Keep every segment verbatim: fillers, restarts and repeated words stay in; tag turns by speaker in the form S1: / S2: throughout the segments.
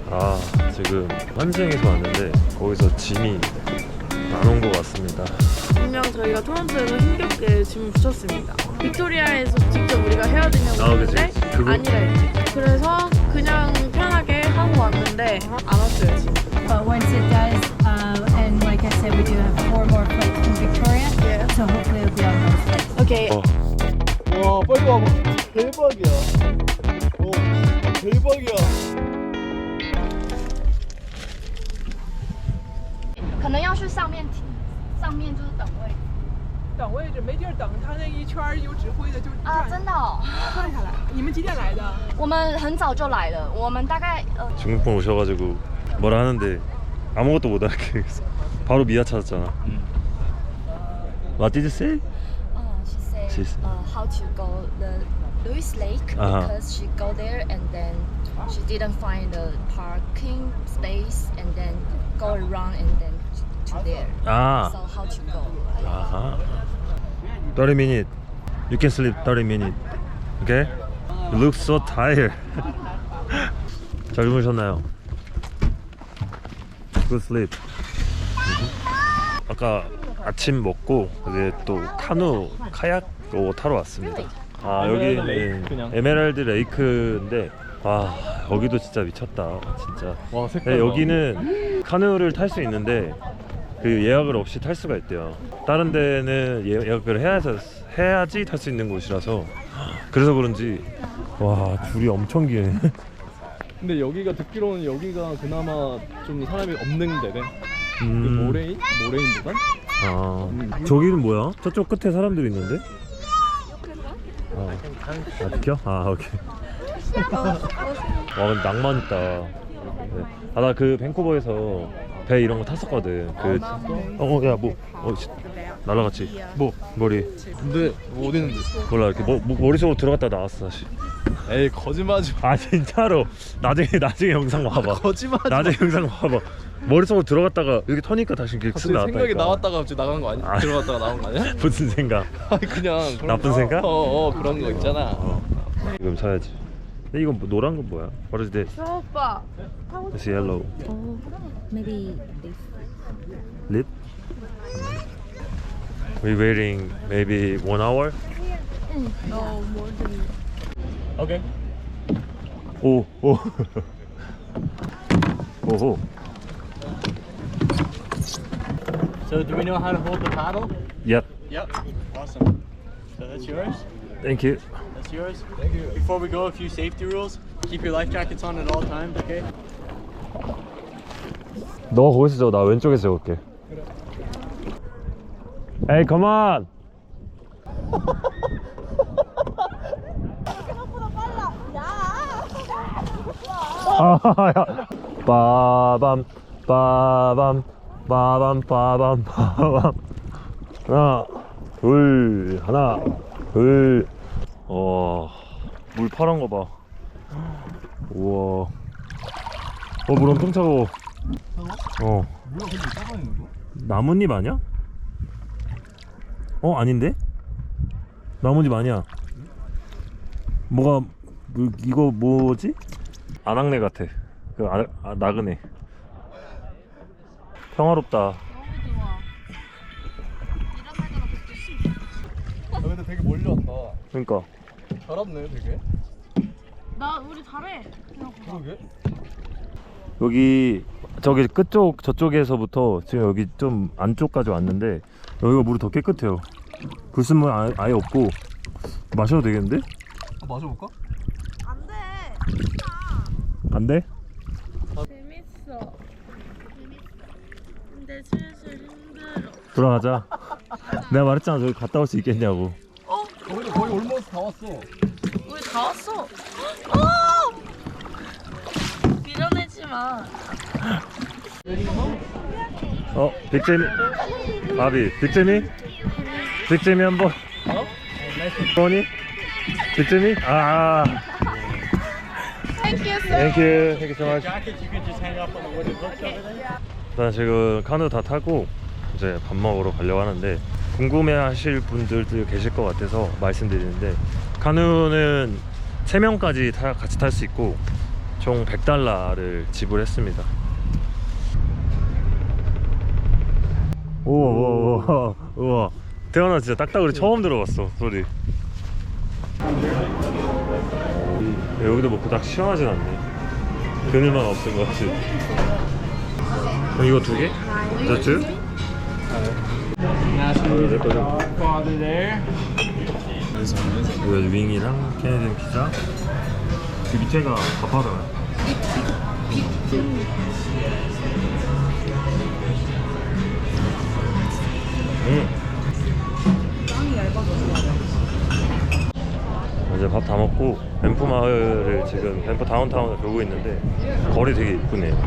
S1: 아, 지금 환승에서 왔는데 거기서 짐이 안 온 것 같습니다.
S2: 분명 저희가 토론토에서 힘겹게 짐을 붙였습니다. 빅토리아에서 직접 우리가 해야 되냐고
S1: 아, 그치,
S2: 했는데
S1: 그치. 그거-
S2: 아니라 했지. 그래서 그냥 편하게 하고 왔는데 안 왔어요 짐.
S3: But once it does, uh, and like I said, we do have four more flights from Victoria,
S2: Yeah.
S3: so hopefully it'll be on those flights.
S2: 오케이.
S1: 어,
S4: 와 빨리 와봐. 대박이야. 오 대박이야.
S5: 可能要去上面停，上面就是等位
S6: 等位置没地儿等，他那一圈儿有指挥的就
S5: 啊，真的、哦。
S6: 转下来。你们几点来的？
S5: 我们很早就来了，我们大概呃
S1: 중국분 오셔가지고 뭐라 하는데 아무것도 못 알아듣겠어. 바로 미아 찾았잖아. What did you say?
S5: uh, she said
S1: She's-
S5: uh, how to go the Lewis Lake
S1: Uh-huh.
S5: because she go there and then she didn't find the parking space and then go around and then to there.
S1: 아,
S5: So how to go?
S1: 아하. thirty minutes. You can sleep thirty minutes. Okay? You look so tired. 잘 주무셨나요? Good sleep. 아까 아침 먹고 이제 또 카누 카약 어, 타러 왔습니다. 아,
S4: 에메랄드
S1: 여기
S4: 레이크 그냥.
S1: 에메랄드 레이크인데 와, 여기도 진짜 미쳤다. 진짜.
S4: 와 색깔.
S1: 네, 여기는 카누를 탈 수 있는데 그 예약을 없이 탈 수가 있대요. 다른 데는 예- 예약을 해야지, 해야지 탈 수 있는 곳이라서 그래서 그런지 와, 줄이 엄청 기네.
S4: 근데 여기가 듣기로는 여기가 그나마 좀 사람이 없는 데래. 그
S1: 음.
S4: 모레인? 모레인보단?
S1: 아, 저기는 뭐야? 저쪽 끝에 사람들이 있는데? 아, 아 비켜? 아, 오케이. 와, 근데 낭만 있다. 네. 아, 나 그 밴쿠버에서 배 이런 거 탔었거든. 그, 어, 어, 야, 뭐, 어, 씨, 날라갔지. 뭐, 머리.
S4: 근데 뭐 어디 있는데?
S1: 몰라, 이렇게 머, 머, 머릿속으로 들어갔다 나왔어, 다시.
S4: 에이 거짓말하지 마.
S1: 아, 진짜로. 나중에, 나중에 영상 봐봐.
S4: 거짓말하지 마.
S1: 나중에 영상 봐봐. 머릿속으로 들어갔다가 이렇게 터니까 다시 이렇게 쓱
S4: 갑자기
S1: 나왔다니까.
S4: 생각이 나왔다가 갑자기 나간 거 아니야?
S1: 아.
S4: 들어갔다가 나온 거 아니야?
S1: 무슨 생각?
S4: 아니 그냥 그런
S1: 나쁜
S4: 거.
S1: 생각?
S4: 어어 그런 거 있잖아.
S1: 어. 이건 사야지. 근데 이건 뭐, 노란 건 뭐야? What is this?
S2: 저 오빠.
S1: It's yellow.
S5: Maybe this.
S1: Lip? We waiting maybe one hour?
S2: 어 뭐지?
S1: Okay. 오, 오. 오호.
S7: So do we know how to hold the paddle?
S1: Yep.
S7: Yep. Awesome. So that's yours.
S1: Thank you.
S7: That's yours. Thank you. Before we go, a few safety rules. Keep your life jackets on at all times, okay?
S1: 너 거기서 저, 나 왼쪽에서 적을게. Hey, come on. 아, 야. 빠밤, 빠밤, 빠밤, 빠밤, 빠밤. 하나, 둘, 하나, 둘. 어, 물 파란 거 봐. 우와. 어, 물 엄청 차가워. 어. 나뭇잎 아니야? 어, 아닌데? 나뭇잎 아니야. 뭐가 그, 이거 뭐지? 안악내 같아. 그 아, 아, 나그네. 평화롭다.
S4: 야, 근데 되게 멀리 왔다.
S1: 그러니까
S4: 잘 왔네 되게.
S2: 나 우리 잘해.
S4: 그러게.
S1: 여기 저기 끝쪽 저쪽에서부터 지금 여기 좀 안쪽까지 왔는데 여기가 물이 더 깨끗해요. 불순물 아예, 아예 없고 마셔도 되겠는데?
S4: 아, 마셔볼까?
S2: 안돼.
S1: 안 돼?
S2: 재밌어. 근데 슬슬 힘들어.
S1: 돌아가자. 내가 말했잖아, 저기 갔다 올 수 있겠냐고.
S4: 거의 거의 올모스 다 왔어.
S2: 우리 다 왔어. 어! 밀어내지 마.
S1: 어, 빅재미. 바비, 빅재미? 빅재미 한번.
S4: 어?
S1: 뭐니? 빅재미? 아.
S2: Thank you, sir.
S1: Thank you. Thank you so much.
S7: Jackets you can just hang up on the wooden hooks over there.
S1: 일단 지금 카누 다 타고 이제 밥 먹으러 가려고 하는데 궁금해 하실 분들도 계실 것 같아서 말씀드리는데 카누는 세 명까지 타, 같이 탈 수 있고 총 백 달러를 지불했습니다. 우와 우와 우와 우와 태어나 진짜 딱딱으로 처음 들어봤어 소리. 여기도 뭐 그닥 시원하진 않네. 그늘만 없은 것 같지. 그럼 이거 두 개? 저 two? 내 거죠. 이거 윙이랑 캐네디언 피자. 그 밑에가 밥하잖아. 음. 이제 밥 다 먹고 밴프 마을을 지금 밴프 다운타운을 돌고 있는데 거리 되게 이쁘네요.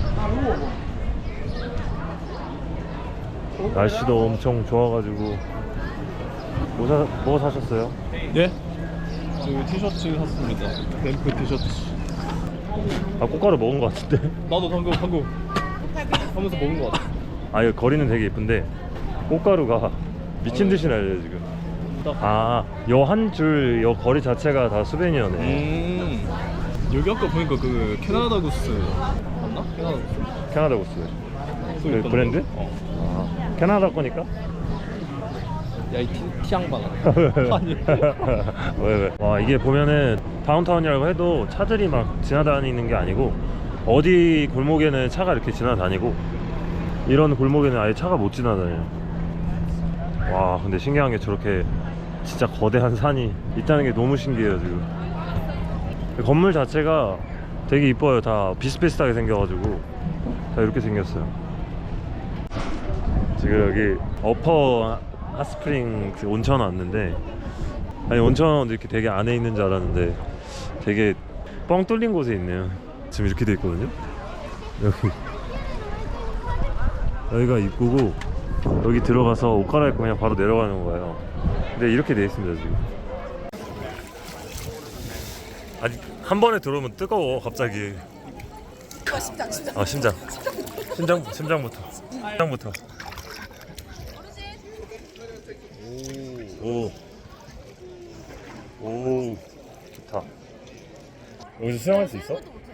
S1: 날씨도 엄청 좋아가지고 뭐, 사, 뭐 사셨어요?
S4: 예? 저 티셔츠 샀습니다. 뱀프 티셔츠.
S1: 아 꽃가루 먹은 것 같은데?
S4: 나도 방금 방금 하면서 먹은 것 같아.
S1: 아 이거 거리는 되게 예쁜데 꽃가루가 미친듯이 날려요 지금. 아 요 한 줄 요 거리 자체가 다 수베니어네.
S4: 음. 여기 아까 보니까 그 캐나다 구스 맞나? 캐나다 구스.
S1: 캐나다 구스
S4: 또
S1: 그
S4: 있던
S1: 브랜드?
S4: 거. 어.
S1: 아, 캐나다 거니까?
S4: 야이 티양반. 아니.
S1: 왜 왜? 와 이게 보면은 다운타운이라고 해도 차들이 막 지나다니는 게 아니고 어디 골목에는 차가 이렇게 지나다니고 이런 골목에는 아예 차가 못 지나다녀요. 와 근데 신기한 게 저렇게 진짜 거대한 산이 있다는 게 너무 신기해요 지금. 건물 자체가 되게 이뻐요. 다 비슷비슷하게 생겨가지고 다 이렇게 생겼어요. 지금 여기 어퍼 핫스프링 온천 왔는데 아니 온천 이렇게 되게 안에 있는 줄 알았는데 되게 뻥 뚫린 곳에 있네요. 지금 이렇게 돼 있거든요. 여기 여기가 입구고 여기 들어가서 옷 갈아입고 그냥 바로 내려가는 거예요. 근데 이렇게 돼 있습니다 지금. 아니 한 번에 들어오면 뜨거워 갑자기. 심장 심장. 아 심장. 심장 심장부터. 심장부터. 오. 오. 좋다. 여기서 수영할 수 있어?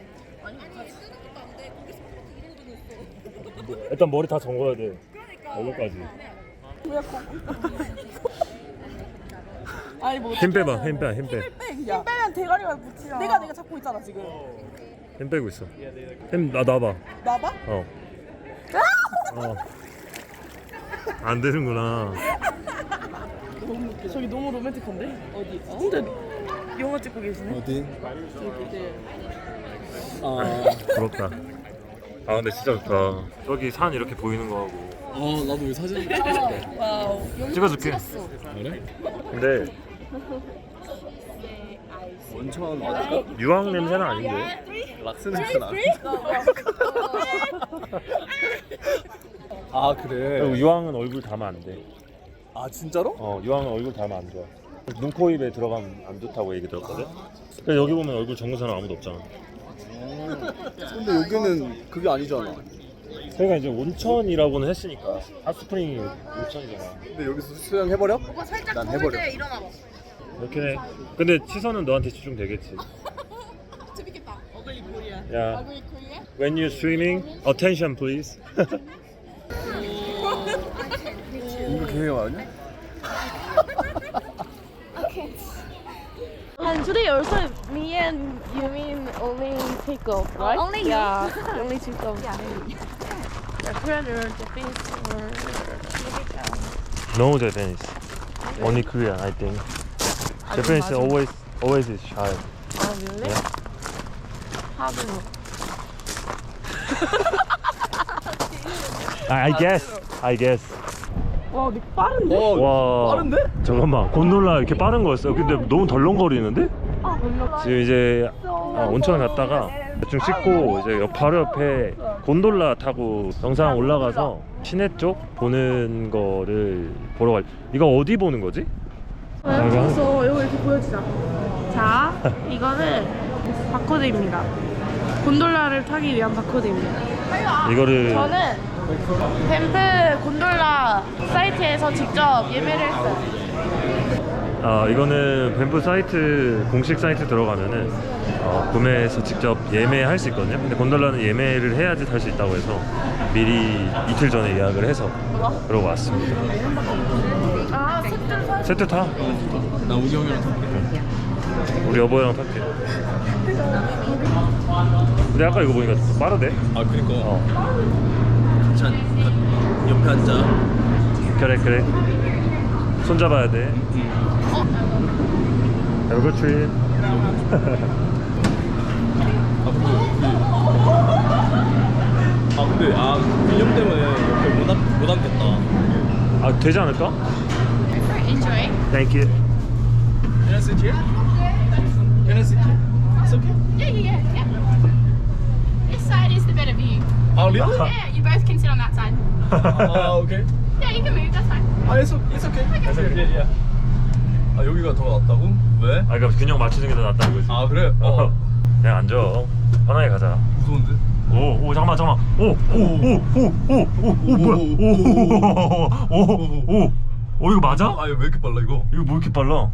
S1: 일단 머리 다 잠궈야 돼. 얼굴까지.
S6: 아니 뭐
S1: 힘 빼봐, 힘 빼, 힘 빼.
S6: 힘 빼면 대가리가 붙이야. 내가 내가 잡고 있잖아 지금.
S1: 힘 빼고 있어. 힘 나 놔봐.
S6: 나봐?
S1: 어. 어. 안 되는구나.
S2: 저기 너무 로맨틱한데? 어디? 근데 영화 찍고 계시네?
S4: 어디?
S2: 저기 네.
S4: 아.
S1: 부럽다. 아 근데 진짜 좋다. 저기 산 이렇게 보이는 거 하고.
S4: 아 나도 왜 사진
S2: 와우.
S1: 찍어줄게.
S4: 그래?
S1: 근데
S4: 원천 맞을까?
S1: 유황 냄새는 아닌데.
S4: 락스 냄새 나. 아 그래.
S1: 그리고 유황은 얼굴 ಧಾ면 안 돼.
S4: 아 진짜로?
S1: 어 유황은 얼굴 ಧಾ면 안 좋아. 눈, 코, 입에 들어가면 안 좋다고 얘기 들었거든. 근데 여기 보면 얼굴 정근 사람 아무도 없잖아.
S4: 근데 여기는 그게 아니잖아.
S1: 저희가 이제 온천이라고는 했으니까 핫스프링이 온천이잖아.
S4: 근데 여기서 수영 해버려? 난 해버려.
S1: 이렇게 해. 근데 시선은 너한테 집중되겠지.
S6: 재밌겠다. 어글리 코리아.
S1: 야,
S6: 어글리 코리아?
S1: when you're swimming, attention please.
S4: 이거 계획 아니야?
S2: And today also me and you mean only take off, right?
S5: only you?
S2: Yeah, only take off. Yeah. The Korean or Japanese or
S1: No Japanese, only Korean I think. Japanese
S2: 맞아.
S1: always always is shy.
S2: Oh really?
S1: Yeah.
S2: How do you know?
S1: I, I guess, I guess.
S2: 와, 니 빠른데?
S4: 어
S1: 와,
S4: 빠른데?
S1: 잠깐만, 곤돌라 이렇게 빠른 거였어요? 근데 너무 덜렁거리는데?
S2: 아, 몰라.
S1: 지금 이제 아, 온천 갔다가 대충 씻고 이제 옆- 바로 옆에 곤돌라 타고 영상 올라가서 시내 쪽 보는 거를 보러 갈. 이거 어디 보는 거지?
S2: 그래서 이거 이렇게 보여주자. 자, 이거는 바코드입니다. 곤돌라를 타기 위한 바코드입니다.
S1: 이거를
S2: 저는 뱀프 곤돌라 사이트에서 직접 예매를 했어요.
S1: 아, 이거는 뱀프 사이트 공식 사이트 들어가면은 어, 구매해서 직접 예매할 수 있거든요. 근데 곤돌라는 예매를 해야지 탈 수 있다고 해서 미리 이틀 전에 예약을 해서 그러고 왔습니다.
S2: 아 세트 사.
S1: 세트 타.
S4: 나 우기 형이랑 탈게.
S1: 우리 여보랑 탈게. 근데 아까 이거 보니까 좀 빠르대.
S4: 아 그니까.
S1: 어.
S4: 괜찮. 옆에 앉아.
S1: 그래 그래. 손 잡아야 돼. Have a good trip.
S4: 아 근데 아 빌염 때문에 옆에 못, 앉, 못 앉겠다.
S1: 아 되지 않을까?
S5: Enjoy.
S1: Thank you.
S4: Can I sit here? Can I sit here? It's okay.
S8: Yeah, yeah, yeah, yeah. This side is the better view.
S4: 아 really?
S8: Yeah, you both can sit on that side.
S4: 아 오케이.
S8: Yeah, you can move, that's fine.
S4: 아 it's okay. It's okay. It's okay. Yeah, yeah. 아 여기가 더 낫다고? 왜?
S1: 아 그러니까 균형 맞추는 게 더 낫다는 거지.
S4: 아 그래? 어.
S1: 그냥 앉아. 편하게 가자.
S4: 무서운데?
S1: 오, 오, 잠깐만, 잠깐만. 오, 오, 오, 오, 오, 오, 오, 뭐야? 오, 오, 오, 오, 오, 이거 맞아?
S4: 아 이거 왜 이렇게 빨라 이거?
S1: 이거 뭐 이렇게 빨라?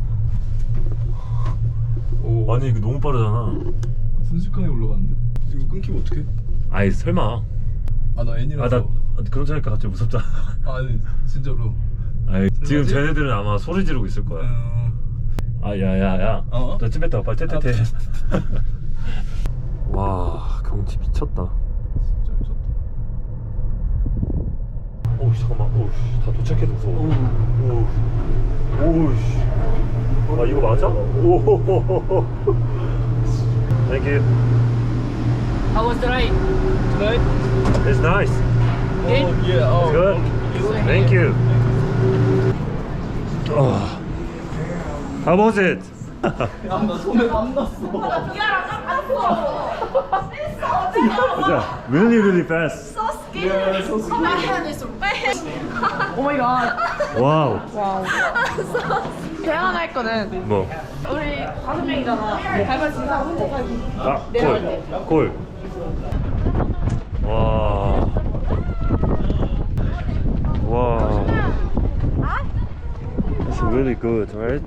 S4: 오.
S1: 아니 이거 너무 빠르잖아.
S4: 순식간에 올라갔는데? 이거 끊기면 어떡해?
S1: 아이 설마.
S4: 아 나
S1: 아
S4: N이라서.
S1: 나 그런 차니까 갑자기 무섭잖아.
S4: 아, 아니 진짜로.
S1: 아이 지금
S4: 설마지?
S1: 쟤네들은 아마 소리 지르고 있을 거야.
S4: 음...
S1: 아 야야야.
S4: 어?
S1: 너 집에 있다가 빨리 퇴퇴퇴. 와 경치 미쳤다.
S4: 진짜 미쳤다.
S1: 오우 잠깐만. 오우 다 도착해도 무서워. 오우 오우 씨. 아 이거 맞아? 오호호호호. Thank you.
S6: How was the ride?
S4: Tonight?
S1: It's nice.
S4: Oh yeah. Oh.
S1: Good. Thank you. Oh. How was it?
S4: 야나 손에 땀 났어.
S1: Yeah, really, really fast.
S4: Yeah, so sweet.
S2: 오 마이 갓.
S1: 와우.
S2: 와우. 제안 하나 했거든.
S1: 뭐?
S2: 우리 다섯 명이잖아. 발발 진짜 하고
S1: 아,
S2: 내려갈게.
S1: 골. 골. 와. 와. It's really good, right?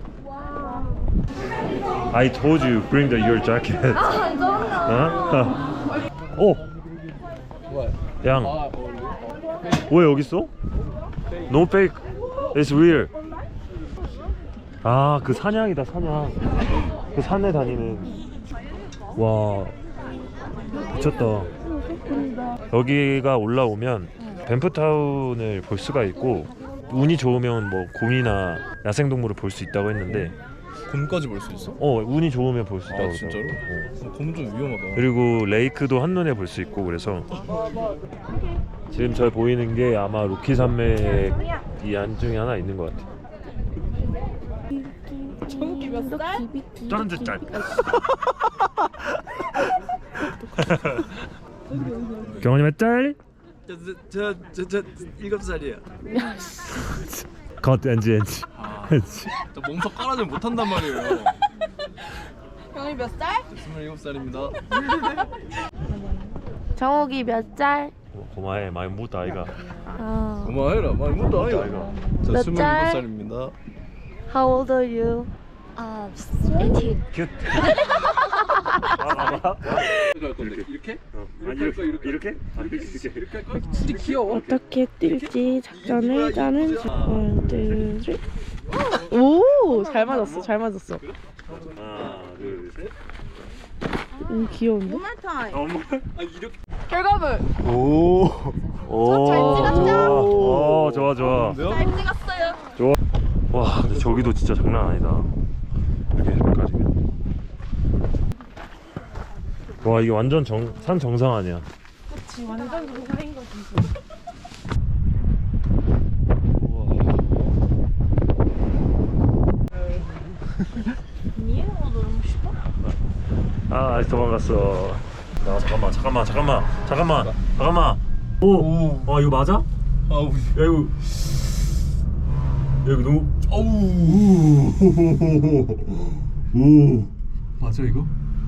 S1: I told you bring the your jacket. 어? 오.
S4: What?
S1: 양.
S4: 아, 어,
S1: 왜 여기 있어? No fake. It's real. 아, 그 사냥이다, 사냥. 그 산에 다니는. 와. 미쳤다. 여기가 올라오면 뱀프타운을 볼 수가 있고 운이 좋으면 뭐 곰이나 야생동물을 볼 수 있다고 했는데
S4: 곰까지 볼 수 있어?
S1: 어 운이 좋으면 볼 수 있다고
S4: 아 진짜로?
S1: 그러더라고. 어.
S4: 곰은 좀 위험하다.
S1: 그리고 레이크도 한눈에 볼 수 있고 그래서 지금 저 보이는 게 아마 로키 산맥 이 안 중에 하나 있는 것 같아.
S2: 정기 몇 살?
S1: 짠 짠. 경원이 몇 살?
S4: 저저저 일곱 살이야.
S1: 컷 엔지 엔지. 엔지.
S4: 저 몸석 깔아주면 못한단 말이에요.
S2: 형이 몇 살?
S4: 스물일곱 살입니다.
S2: 정욱이 몇 살?
S1: 고마해 많이 묻다 아이가.
S2: 아.
S4: 고마워해라. 많이 묻다
S1: 묻다,
S4: 아이가.
S1: 아이가.
S4: 저
S2: 몇
S4: 스물일곱
S2: 살?
S4: 살입니다.
S2: How old are you?
S5: Uh, eighteen.
S1: 큐.
S4: 이렇게?
S1: 이렇게 이렇게 이렇게? 아, 이렇게 이렇게.
S4: 둘이 귀여워.
S2: 어떻게 뛸지 작전을 짜는 원, 투, 쓰리. 오, 잘 맞았어, 잘 맞았어.
S1: 하나 둘 셋.
S2: 음, 귀여운데?
S1: 엄마.
S2: 결과물.
S1: 오. 오.
S2: 잘 찍었죠?
S1: 오, 좋아 좋아.
S2: 잘 찍었어요.
S1: 좋아. 와, 근데 저기도 진짜 장난 아니다. 이렇게 해까지면. 와, 이게 완전 정, 산 정상 아니야.
S2: 그치, 완전 정상인 거지.
S1: 우와.
S2: 이해가 너무 쉽어?
S1: 아, 아직 도망갔어. 아, 잠깐만, 잠깐만, 잠깐만, 잠깐만, 잠깐만. 오,
S4: 오.
S1: 아 이거 맞아?
S4: 아우.
S1: 야 이거, 야 이거 너무.
S4: 어우.
S1: 오.
S4: 맞아 이거?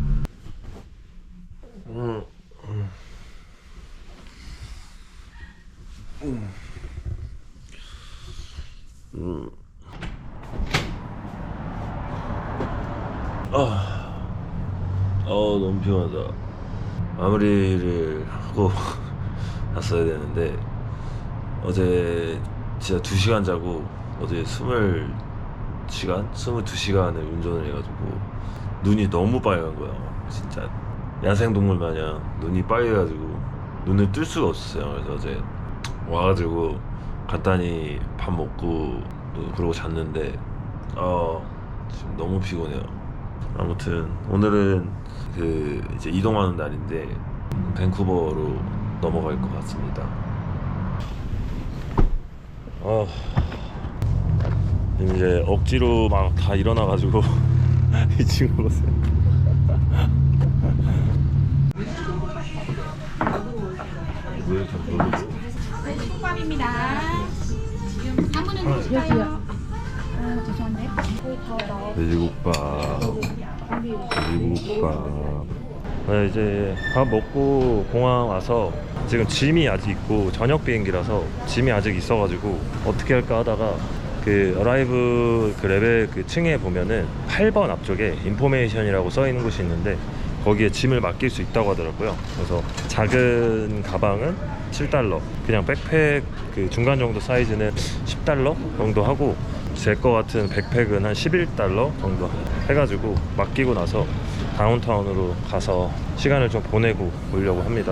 S1: 음. 음. 음. 너무 피곤하다. 마무리를 하고 갔어야 되는데 어제 진짜 두 시간 자고 어제 스물 시간? 스물두 시간을 운전을 해가지고 눈이 너무 빨간 거야. 진짜 야생동물 마냥 눈이 빨개가지고 눈을 뜰 수가 없었어요. 그래서 어제 와가지고 간단히 밥 먹고 그러고 잤는데 어 지금 너무 피곤해요. 아무튼 오늘은 그 이제 이동하는 날인데 밴쿠버로 넘어갈 것 같습니다. 어 이제 억지로 막 다 일어나가지고 이 친구 보세요. 왜 이렇게 놀라지? 돼지국밥, 돼지국밥. 네, 이제 밥 먹고 공항 와서 지금 짐이 아직 있고 저녁 비행기라서 짐이 아직 있어가지고 어떻게 할까 하다가 그 어라이브 그 레벨 그 층에 보면은 팔 번 앞쪽에 인포메이션이라고 써 있는 곳이 있는데 거기에 짐을 맡길 수 있다고 하더라고요. 그래서 작은 가방은 칠 달러, 그냥 백팩 그 중간 정도 사이즈는 십 달러 정도 하고 제 거 같은 백팩은 한 십일 달러 정도 해가지고 맡기고 나서 다운타운으로 가서 시간을 좀 보내고 오려고 합니다.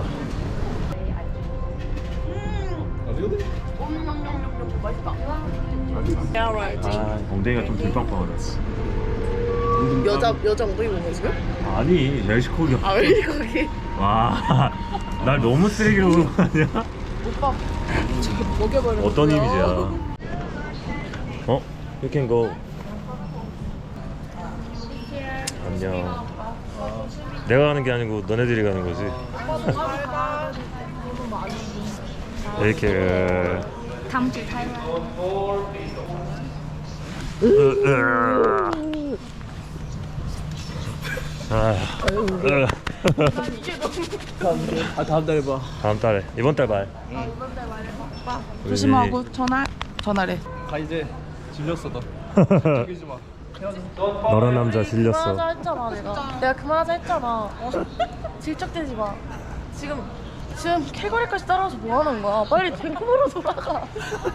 S1: 아, 엉덩이가 좀 들빵빵하다.
S2: 여자 여자 엉덩이 보는 지금?
S1: 아니, 멕시코기.
S2: 아 왜 거기?
S1: 와, 날 너무 쓰레기로 보는 거 아니야?
S2: 오빠 저기 먹여버려.
S1: 어떤 이미지야? 어? You can go. 안녕. 내가 가는 게 아니고 너네들이 가는 거지. 이렇게.
S5: Come to Thailand.
S1: 아,
S4: 아 다음 달에 봐.
S1: 다음 달에 이번 달 말.
S2: 조심하고 전화 전화래.
S4: 가 이제 질렸어 너. 죽이지 마.
S1: 너란 남자 질렸어.
S9: 그만하자 했잖아 내가 내가 그만하자 했잖아 어. 질척대지 마 지금 지금 캘거리까지 따라와서 뭐 하는 거야 빨리 밴쿠버로 돌아가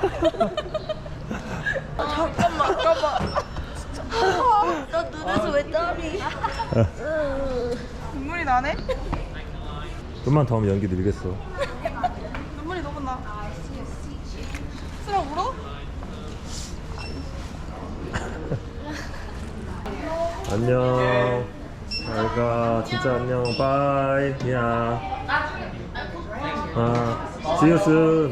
S9: 아, 잠깐만 잠깐만 진짜 아, 나 눈에서 왜 땀이
S2: 눈물이 나네?
S1: 좀만 더 하면 연기 늘겠어.
S2: 눈물이 너무 나. 쓰라 울어?
S1: 안녕. 잘가. 진짜 안녕. 바이. 야. 아, see you soon.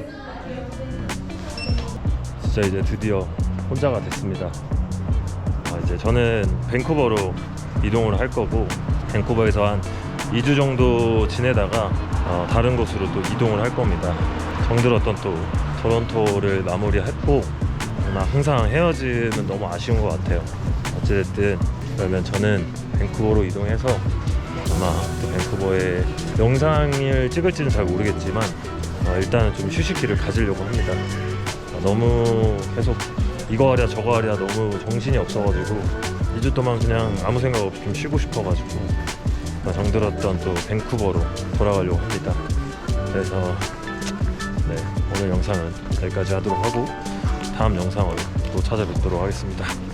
S1: 진짜 이제 드디어 혼자가 됐습니다. 아, 이제 저는 밴쿠버로 이동을 할 거고 밴쿠버에서 한 이 주 정도 지내다가 어, 다른 곳으로 또 이동을 할 겁니다. 정들었던 또 토론토를 마무리했고 아마 항상 헤어지면 너무 아쉬운 것 같아요. 어찌됐든 그러면 저는 밴쿠버로 이동해서 아마 또 밴쿠버에 영상을 찍을지는 잘 모르겠지만 어, 일단은 좀 휴식기를 가지려고 합니다. 어, 너무 계속 이거 하랴 저거 하랴 너무 정신이 없어가지고 이 주 동안 그냥 아무 생각 없이 좀 쉬고 싶어가지고 어, 정들었던 또 밴쿠버로 돌아가려고 합니다. 그래서 네, 오늘 영상은 여기까지 하도록 하고 다음 영상으로 또 찾아뵙도록 하겠습니다.